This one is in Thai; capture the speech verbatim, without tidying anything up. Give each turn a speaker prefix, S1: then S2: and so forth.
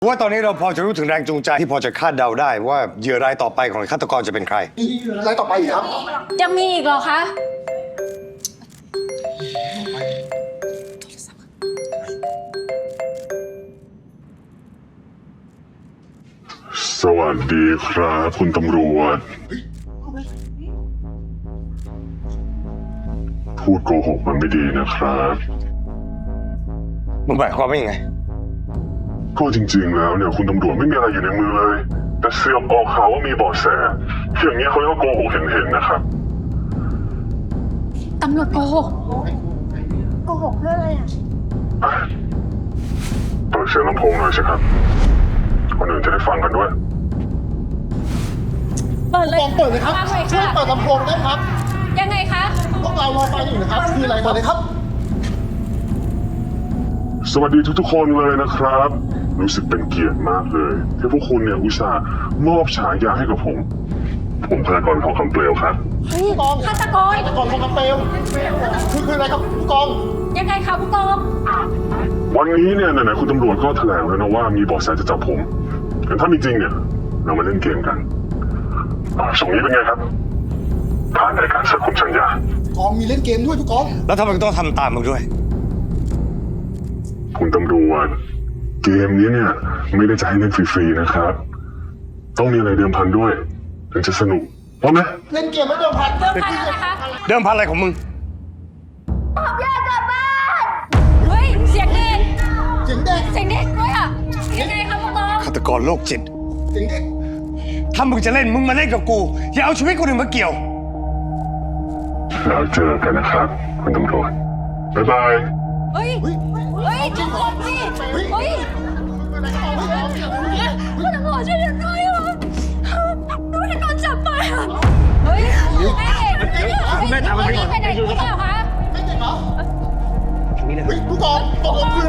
S1: ว่าตอนนี้เราพอจะรู้ถึงแรงจูงใจที่พอจะคาดเดาได้ว่าเหยื่อรายต่อไปของฆาตกรจะเป็นใคร
S2: รายต่อไปอีกครับ
S3: ยังมีอีกเหรอคะ
S4: สวัสดีครับคุณตำรวจ พูดโกหกมันไม่ดีนะครับ
S1: มึงหมายความว่ายังไง
S4: ก็จริงๆแล้วเนี่ยคุณตำรวจไม่มีอะไรอยู่ในมือเลย แต่เสือกออกข่าวว่ามีเบาะแสอย่างนี้เขาเรียกว่าโกหกเห็นๆนะครับ
S3: ตำรวจโกหก
S2: โกหกเรื่องอะไรอ่ะ
S4: อ่ะเปิดเสียงลำโพงหน่อยสิครับคนอื่นจะได้ฟังกันด้วย
S3: เปิดเลย
S2: ลองเปิดเลยครับ
S3: ฟังหน่อย
S2: ช่วย
S3: ค่ะ
S2: เปิดลำโพงได้ครับ
S3: ยังไงคะ
S2: พวกเรารอฟังอยู่นะครับ คืออะไรเปิดเลยครับ
S4: สวัสดีทุกๆคนเลยนะครับ รู้สึกเป็นเกียรติมากเลยที่พวกคุณเนี่ยอุตส่าห์มอบฉายาให้กับผม ผมฆาตกรทองคำเปลวครับ
S2: ผู้กอง
S3: ฆาตกร
S2: ฆาตกรทองคำเปลวคือคืออะไรครับผู้กอง
S3: ยังไงคะผู้กอง
S4: วันนี้เนี่ยไหนๆคุณตำรวจก็แถลงแล้วนะว่ามีเบาะแสจะจับผมแต่ถ้ามีจริงเนี่ยเรามาเล่นเกมกันอ่าส่งนี้เป็นไงครับผ่านรายการสักคุณสัญญา
S2: กองมีเล่นเกมด้วยผู้กอง
S1: แล้วทำไมต้องทำตามมึงด้วย
S4: คุณตำรวจเกมนี้เนี่ยไม่ได้จะให้เล่นฟรีๆนะครับ ต้องมีอะไรเดิมพันด้วยถึงจะสนุกพร้อมไหม
S2: เล่นเกมไม่เดิมพัน
S3: เดิมพันอะไรคะ
S1: เดิมพันอะไรของมึง
S3: ผมอยากกลับบ้าน เฮ้ย เสียงเด็ก
S2: เสียงเด็ก
S3: เสียงเด็กด้วยอ่ะ ยังไงคะผู้กอง
S1: ฆาตกรโรคจิต
S2: เสียงเด็ก
S1: ถ้ามึงจะเล่นมึงมาเล่นกับกู อย่าเอาชีวิตคนอื่นมาเกี่ยว
S4: แล้วเจอกันนะครับ คุณตำรวจบ๊ายบาย
S3: เฮ้ย เฮ้ยทุกคนสิเฮ้ยคุณตำรวจช่วยฉันด้วยอ่ะหนูจะโดนจับไปอ่ะ เฮ้ยแม่แม่ทำอะไรก่อนไปไหนหรือเปล่าคะ
S2: ไม่เด็กเหรอเฮ้ยผู้กองตกลงคือ